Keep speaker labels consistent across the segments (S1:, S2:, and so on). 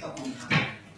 S1: ตะปูครับ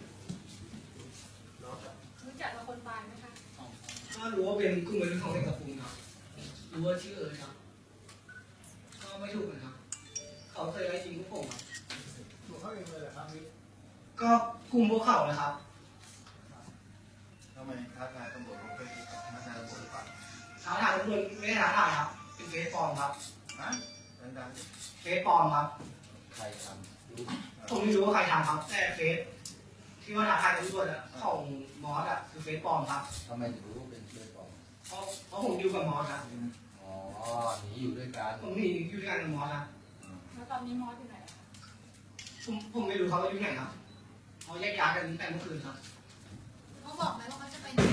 S2: รู้จักกับคนตายไหมคะ
S1: ก็รู้ว่าเป็นกลุ่มวัยรุ่นของเด็กตะปูครับรู้ว่าชื่อครับก็ไม่ถูกนะครับเขาเคยไล่ยิงพวกผมครับ
S3: ตัวเขาเองเลยเหรอครับมิตร
S1: ก็กลุ่มพวกเขานะครับ
S3: ทำไมท้าทายตำรวจเขาเคยท้าทายตำรวจหรือเปล่า
S1: ท้าทายตำรวจไม่ได้ท้าทายครับเป็นเฟซปลอมครับ
S3: นะดัง
S1: เฟซปลอมครับ
S3: ๆใครทำรู้
S1: ผมไม่รู้ว่าใครทำครับแต่เฟซที่ว่าท้าทายตำรวจของมอสคือเฟซปลอมครับ
S3: ทำไมถึงรู้ว่าเป็นเพื่อนปลอม
S1: เพราะผมอยู่กับมอสครับ
S3: อ๋อหนีอยู่ด้วยกัน
S1: ผมหนีอยู่ด้วยกันกับมอสครับ
S2: แล้วตอนนี้มอสอยู่ไหนคะ
S1: ผมไม่รู้เขาอยู่ไหนครับเขาแยกย้ายกันแต่เมื่อคืนครับ
S2: เขาบอกไหมว่าเขาจะไปไหน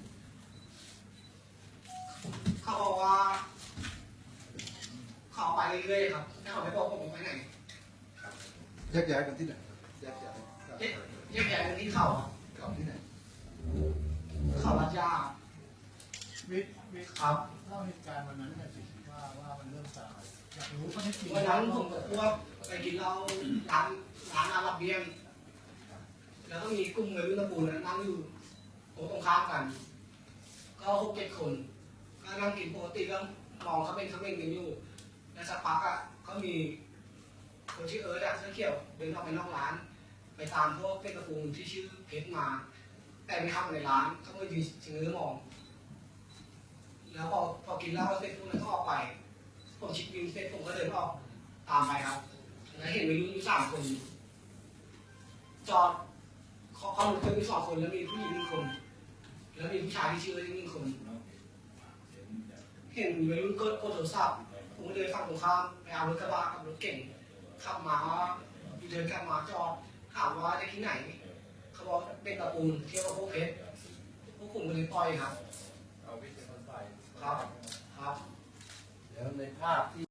S1: เขาบอกว่าเขาไปเรื่อยๆครับแต่เขาไม่บอกผมไปไหน
S3: แยกย้ายกันที่ไหนแยกย้าย
S1: แยกย้ายกันที่เขาครับ
S3: เก่าที่ไหน
S1: เขาลัดยา
S3: มิตร
S1: ครับ
S3: เล่าเหตุการณ์วันนั้นหน่อยสิว่ามันเริ่มจากอะไรอยากรู้ข้อเท็จจริง
S1: วันนั้นผมกับพวกไปกินเหล้าร้านอาราเบียนแล้วก็มีกลุ่มวัยรุ่นตะปูนนั่งอยู่โต๊ะตรงข้ามกัน ก็6-7 คนก็นั่งกินปกติก็มองเขาเป็นกันอยู่แล้วสักพักก็มีคนชื่อเอิร์ธเสื้อเขียวเดินออกไปนอกร้าน ไปตามพวกเด็กตะปูนที่ชื่อเพชรมา แต่ไม่เข้ามาในร้านเขาก็ยืนชะเง้อมอง แล้วพอกินเหล้าเสร็จพวกนั้นก็ออกไปผมชิดวินเสร็จผมก็เดินออกตามไปครับแล้วเห็นวัยรุ่นอยู่3 คนจอดเขารถเครื่องมี2 คนแล้วมีผู้หญิง1 คนแล้วมีผู้ชายที่ชื่อ1 คนเห็นวัยรุ่นกดโทรศัพท์ผมก็เดินฝั่งตรงข้ามไปเอารถกระบะกับรถเก่งขับมาเดินกลับมาจอดถามว่าจะที่ไหนเขาบอกเป็นตะปูนเที่ยวกับพวกเพชรพวกผมก็เลยปล่อยครับ
S3: เอาวิทย์เป็นคนไป
S1: ครับ
S3: แล้วในภาพที่